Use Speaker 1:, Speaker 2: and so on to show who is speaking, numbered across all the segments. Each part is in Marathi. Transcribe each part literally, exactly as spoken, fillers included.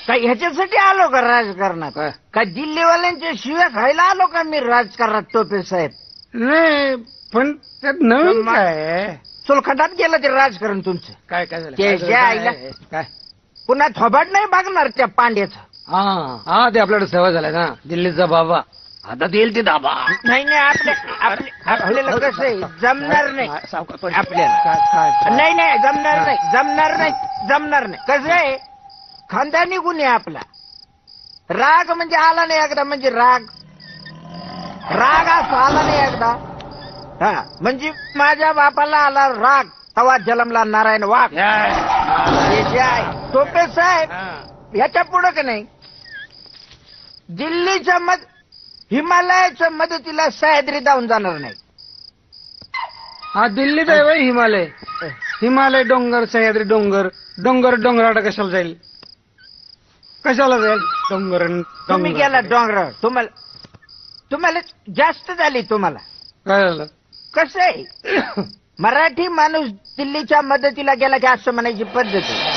Speaker 1: काय ह्याच्यासाठी आलो का राजकारणात?
Speaker 2: काय?
Speaker 1: काय दिल्लीवाल्यांच्या शिव्या खायला आलो का मी राजकारणात टोपे साहेब?
Speaker 2: नाही पण त्यात नवीन
Speaker 1: मग-
Speaker 2: काय आहे?
Speaker 1: सोलखंडात गेलं ते राजकारण तुमचं.
Speaker 2: काय काय झालं?
Speaker 1: ते
Speaker 2: काय झालं?
Speaker 1: ज्या आईला-
Speaker 2: काय काय?
Speaker 1: पुन्हा थोबाड नाही बघणार त्या पांड्याचं.
Speaker 2: हा हा ते आपल्याकडे सवय झालाय ना दिल्लीचा बाबा. आता देईल ते दाबा.
Speaker 1: नाही नाही आपल्या आपल्या- आपल्याला कसं आहे जमणार नाही
Speaker 2: सावकाश पण.
Speaker 1: आपल्याला.
Speaker 2: काय काय काय?
Speaker 1: नाही नाही जमणार नाही जमणार नाही जमणार नाही. कसं आहे खानदानी गुन्हे आपला. राग म्हणजे आला नाही एकदा म्हणजे राग राग असा आला नाही एकदा. हा म्हणजे माझ्या बापाला आला राग तवा जलमला नारायण वाघ.
Speaker 2: काय?
Speaker 1: हे जे आहे टोपे साहेब
Speaker 2: हा.
Speaker 1: ह्याच्या पुढं का नाही दिल्लीच्या मद हिमालयाच्या मदतीला सह्याद्री धावून जाणार नाही.
Speaker 2: हा दिल्लीत आहे बाई हिमालय. हिमालय डोंगर सह्याद्री डोंगर डोंगर डोंगराटा कशाला जाईल? कशाला जाईल डोंगर आणि
Speaker 1: तुम्ही
Speaker 2: डोंगर?
Speaker 1: गेला डोंगरावर तुम्हाला तुम्हाला जास्त झाली तुम्हाला.
Speaker 2: काय झालं?
Speaker 1: कसं आहे मराठी माणूस दिल्लीच्या मदतीला गेला की असं म्हणायची पद्धत आहे.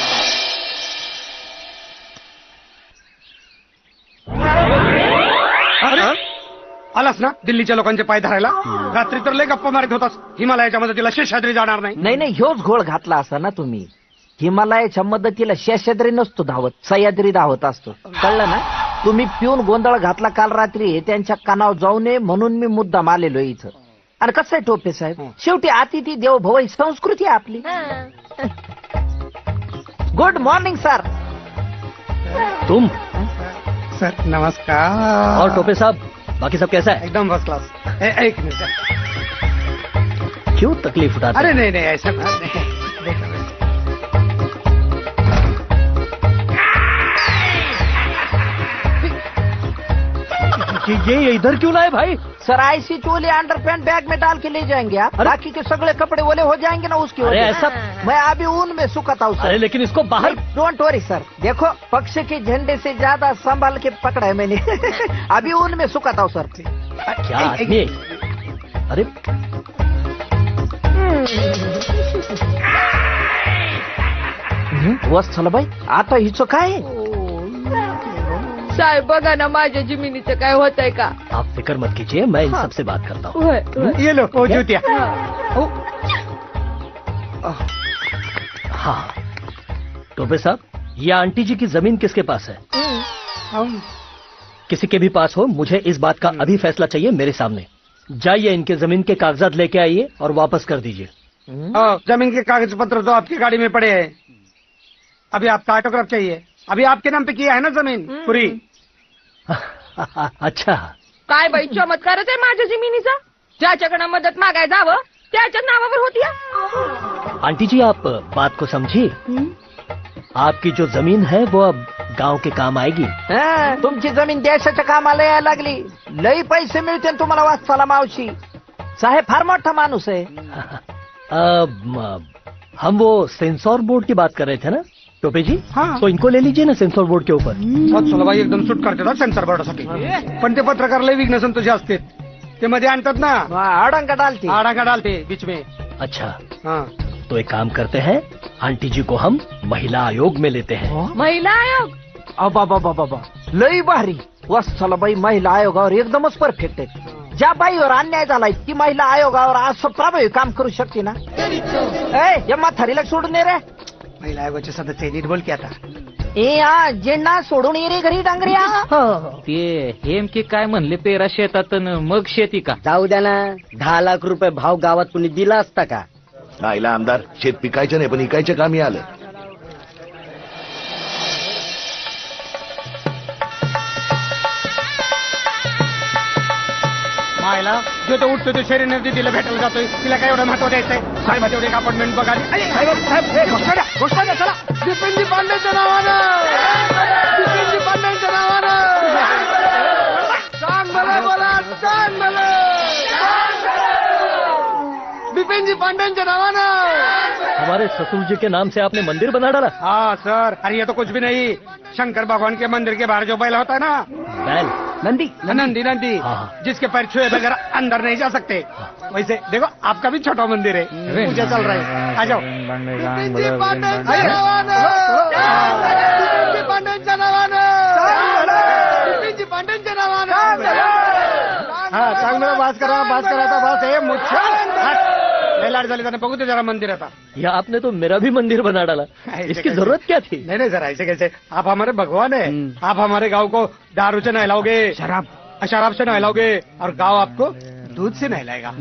Speaker 2: अरे आलास ना दिल्लीच्या लोकांचे पाय धरायला? रात्री तर लय गप्पा मारित होतास हिमालयाच्या मदतीला शेषाद्री जाणार नाही.
Speaker 1: नाही नाही ह्योच घोळ घातला असा ना तुम्ही. हिमालयाच्या मदतीला शेषाद्री नसतो धावत सह्याद्री धावत असतो. कळलं ना? तुम्ही पिऊन गोंधळ घातला काल रात्री हे त्यांच्या कानावर जाऊ नये म्हणून मी मुद्दाम आलेलो इथं. आणि कसं आहे टोपे साहेब शेवटी अतिथी देव भव ही संस्कृती आहे आपली. Good morning sir.
Speaker 3: तुम
Speaker 2: सर नमस्कार.
Speaker 3: और टोपे साहब बाकी सब कैसा है?
Speaker 2: एकदम फर्स्ट क्लास. ए- एक मिनिट.
Speaker 3: क्यों तकलीफ उठाते
Speaker 2: अरे
Speaker 3: हैं?
Speaker 2: नहीं नहीं ऐसा बात नहीं.
Speaker 3: ये ये इधर क्यों लाए भाई?
Speaker 1: सर ऐसी चोली अंडर पैंट बैग में डाल के ले जाएंगे आप. बाकी के सगळे कपड़े ओले हो जाएंगे ना उसकी
Speaker 3: अरे
Speaker 1: वजह
Speaker 3: ऐसा
Speaker 1: से. मैं अभी ऊन में सुखाता हूँ
Speaker 3: अरे
Speaker 1: सर.
Speaker 3: लेकिन इसको बाहर
Speaker 1: डोंट वरी सर. देखो पक्ष के झंडे से ज्यादा संभाल के पकड़ा है मैंने. अभी ऊन में सुखाता हूँ सर.
Speaker 3: क्या आदमी है? अरे
Speaker 1: वत्सल बाई आता हिचं काय आहे?
Speaker 4: साहेब बघा ना माझ्या जमिनीचं काय होतंय का?
Speaker 3: आप फिक्र मत कीजिए मैं इन सबसे बात करता हूँ.
Speaker 4: होय, होय.
Speaker 2: ये लो वो जूतिया.
Speaker 3: हाँ टोपे साहब ये आंटी जी की जमीन किसके पास है? किसी के भी पास हो मुझे इस बात का अभी फैसला चाहिए मेरे सामने. जाइए इनके जमीन के कागजात लेके आइए और वापस कर दीजिए.
Speaker 2: हाँ, जमीन के कागज पत्र तो आपकी गाड़ी में पड़े हैं. अभी आपका ऑटोग्राफ चाहिए. अभी आपके नाम पे किया है ना जमीन पूरी.
Speaker 3: अच्छा
Speaker 4: काय बाई चमत्कारच आहे माझ्या जमिनीचा. ज्याच्याकडे मदत मागाय जावं त्याच्या नावावर होती हा.
Speaker 3: आंटी जी आप बात को समझिए. आपकी जो जमीन है वो अब गांव के काम आएगी.
Speaker 1: हा, तुमची जमीन देशाच्या कामाला यायला लागली. लई पैसे मिळते ना तुम्हाला वाचताला मावशी. साहेब फार मोठा माणूस आहे.
Speaker 3: अब म, हम वो सेंसर बोर्ड की बात कर रहे थे ना टोपे जी.
Speaker 2: हाँ.
Speaker 3: तो इनको ले लीजिए ना सेंसर बोर्ड के ऊपर.
Speaker 2: बाई एकदम सूट करते ना सेन्सर बोर्डासाठी. पण ते पत्रकार लय विघ्न संतोषी असते. ते मध्ये आणतात ना
Speaker 1: अडंग डालती.
Speaker 2: आडाका डालते बीच में.
Speaker 3: अच्छा
Speaker 2: हाँ.
Speaker 3: तो एक काम करते हैं आंटी जी को हम महिला आयोग में लेते हैं.
Speaker 4: महिला आयोग.
Speaker 1: अबा बाबा बाबा लई भारी. वत्सल बाई महिला आयोगावर एकदमच परफेक्ट आहे. ज्या बाईवर अन्याय झालाय ती महिला आयोगावर असं प्रभावी काम करू शकते ना. ए या म्हातारीला सोडून ये रे.
Speaker 2: महिला आयोगाचे सदस्य नीट बोल की आता.
Speaker 1: ए हा जेंडा सोडून ये रे घरी डांगऱ्या.
Speaker 5: ते हेमके काय म्हणले पेरा शेतात अन मग शेती का?
Speaker 6: जाऊ द्या ना. दहा लाख रुपये भाव गावात कुणी दिला असता का?
Speaker 7: आईला आमदार शेत पिकायचं नाही पण इकायच्या कामी आलं.
Speaker 2: मायला जो तो उठतो तो शरीर नदी तिला भेटायला जातोय. तिला काय एवढं महत्व द्यायचंय? साहेबाचे एवढे एक अपार्टमेंट बघा. अरे, साहेब, साहेब, ए, घोषणा द्या, घोषणा द्या, चला. बिपिनजी पांडेच्या नावानं बिपिनजी पांडेच्या नावानं चांग भले बोला चांग भले. बिपिनजी पांडेच्या नावानं.
Speaker 3: हमारे ससुर जी के नाम से आपने मंदिर बना डाला.
Speaker 2: हाँ सर. अरे ये तो कुछ भी नहीं. शंकर भगवान के मंदिर के बाहर जो बैल होता है ना
Speaker 3: बैल
Speaker 2: नंदी नंदी नंदी
Speaker 3: हाँ।
Speaker 2: जिसके पैर छुए बगैर अंदर नहीं जा सकते. वैसे देखो आपका भी छोटा मंदिर है. पूजा चल रहा है. आ जाओ. बास करा बास करा आता बास हे मुच्छा लय लाड झाली त्याने बघू ते जरा मंदिर आता
Speaker 3: ये आपने तो मेरा भी मंदिर बना डाला इसकी जरूरत क्या थी?
Speaker 2: नहीं नहीं सर ऐसे कैसे आप हमारे भगवान है आप हमारे गांव को दारू से नहलाओगे शराब शराब से नहलाओगे और गांव आपको दूध से नहलाएगा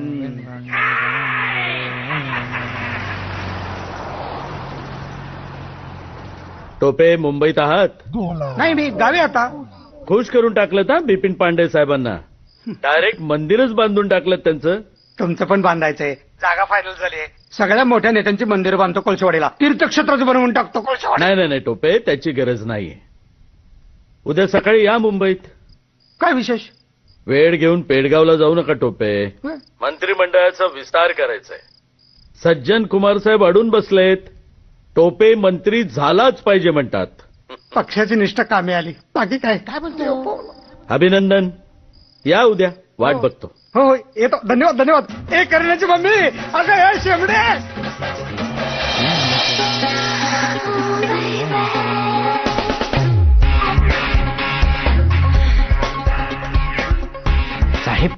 Speaker 8: टोपे मुंबईत आहात
Speaker 2: नाही मी गावी आता
Speaker 8: खुश करून टाकलं ना बिपिन पांडे साहेबांना डायरेक्ट मंदिरच बांधून टाकलं त्यांचं.
Speaker 2: तुमचं पण बांधायचंय जागा फायनल झाली सगळ्या मोठ्या नेत्यांची मंदिर बांधतो कोळशेवाडीला तीर्थक्षेत्रच बनवून टाकतो कोळशेवाडी.
Speaker 8: नाही नाही नाही टोपे त्याची गरज नाहीये. उद्या सकाळी या मुंबईत.
Speaker 2: काय विशेष
Speaker 8: वेळ घेऊन पेडगावला जाऊ नका टोपे. मंत्रिमंडळाचा विस्तार करायचाय. सज्जन कुमार साहेब अडून बसलेत. टोपे मंत्री झालाच पाहिजे म्हणतात.
Speaker 2: पक्षाची निष्ठा कामी आली बाकी काय काय बोलतोय.
Speaker 8: अभिनंदन. या उद्या वाट बघतो.
Speaker 2: हो हो येतो धन्यवाद धन्यवाद. ए करण्याची मम्मी अगं हे शेमडे
Speaker 1: साहेब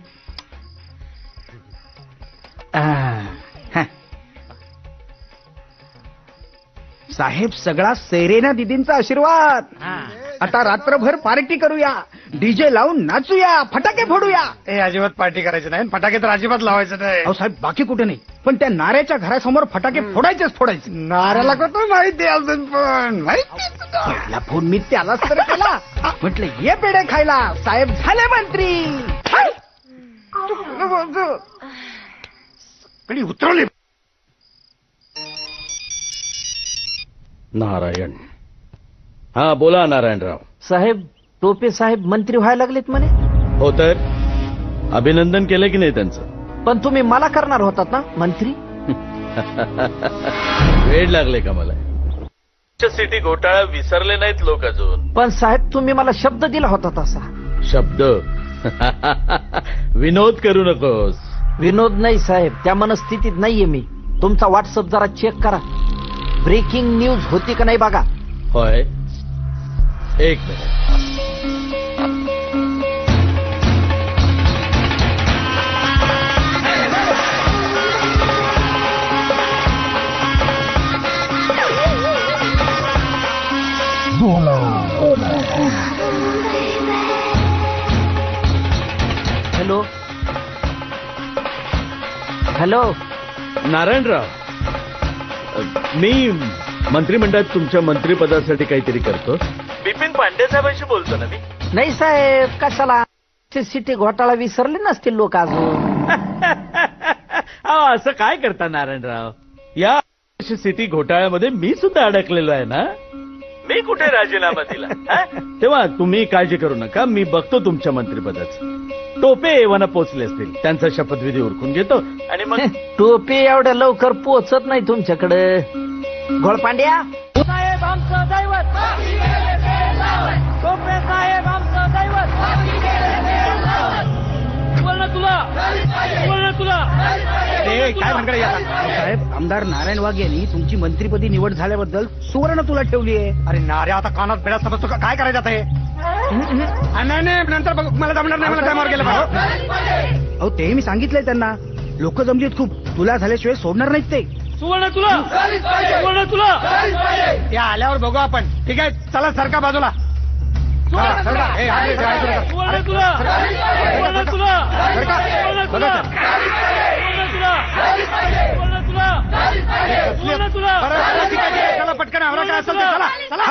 Speaker 1: साहेब सगळा सेरेना दिदींचा आशीर्वाद. आता रात्रभर पार्टी करूया डीजे लावून नाचूया फटाके फोडूया.
Speaker 2: ए अजिबात पार्टी करायची नाही फटाके तर अजिबात लावायचं नाही.
Speaker 1: अहो साहेब बाकी कुठे नाही पण त्या नाऱ्याच्या घरासमोर फटाके फोडायचेच फोडायचे.
Speaker 2: नाऱ्याला कसं माहिती अजून पण माहिती
Speaker 1: पहिला फोन मी त्यालाच तर केला म्हटलं ये पेढे खायला साहेब झाले मंत्री.
Speaker 2: कधी उतरवली
Speaker 8: नारायण. हा बोला नारायणराव.
Speaker 1: साहेब टोपे साहेब मंत्री व्हायला लागलेत म्हणे.
Speaker 8: हो तर अभिनंदन केलं की नाही त्यांचं.
Speaker 1: पण तुम्ही मला करणार होतात ना मंत्री.
Speaker 8: वेळ लागले का मला. सिटी घोटाळा विसरले नाहीत लोक अजून.
Speaker 1: पण साहेब तुम्ही मला शब्द दिला होता तसा.
Speaker 8: शब्द विनोद करू नकोस.
Speaker 1: विनोद नाही साहेब त्या मनस्थितीत नाहीये मी. तुमचा व्हॉट्सअप जरा चेक करा. ब्रेकिंग न्यूज होती का नाही बघा.
Speaker 8: होय एक मिनिट.
Speaker 1: हॅलो हॅलो
Speaker 8: नारायणराव मी मंत्रिमंडळात तुमच्या मंत्रिपदासाठी काहीतरी करतो. बिपिन पांडे साहेबांशी बोलतो ना मी.
Speaker 1: नाही साहेब कशाला सिटी घोटाळा विसरले नसतील लोक अजून.
Speaker 8: अहो, असं काय करता नारायणराव. या सिटी घोटाळ्यामध्ये मी सुद्धा अडकलेलो आहे ना. मी कुठे राजीनामा दिला. हा? तेव्हा तुम्ही काळजी करू नका मी बघतो तुमच्या मंत्रिपदाचं. टोपे एव्हाना पोचले असतील त्यांचा शपथविधी उरकून घेतो आणि मग
Speaker 1: टोपे एवढ्या लवकर पोचत नाही तुमच्याकडे. घोळपांड्या
Speaker 4: साहेब आमचं दैवत टोपे साहेब आमचं दैवत बोल ना तुला बोल ना तुला.
Speaker 2: काय म्हणकडे
Speaker 1: साहेब आमदार नारायण वाघ यांनी तुमची मंत्रिपदी निवड झाल्याबद्दल सुवर्ण तुला ठेवली आहे.
Speaker 2: अरे नाऱ्या आता कानात बेडा समजतो का? काय करायचं आता हे. नाही नाही नंतर बघ मला जमणार नाही मला टायमावर गेलं पाहिजे.
Speaker 1: अहो ते मी सांगितलंय त्यांना. लोक जमलीत खूप तुला झाल्याशिवाय सोडणार नाहीत ते.
Speaker 4: सुवर्ण तुला सुवर्ण तुला.
Speaker 2: या आल्यावर बघू आपण. ठीक आहे चला सरका बाजूला. हा, सरका. ए, हा, हे, हे, हे, हे.
Speaker 4: सुवर्ण तुला सुवर्ण तुला
Speaker 2: सरका.
Speaker 4: सुवर्ण
Speaker 2: बघा
Speaker 4: तुला
Speaker 2: सर.
Speaker 4: सुवर्ण तुला सुवर्ण तुला सुवर्ण तुला.
Speaker 2: बरं, ठीक आहे, ठीक आहे. चला पटकन आवरा काय असेल ते. चला चला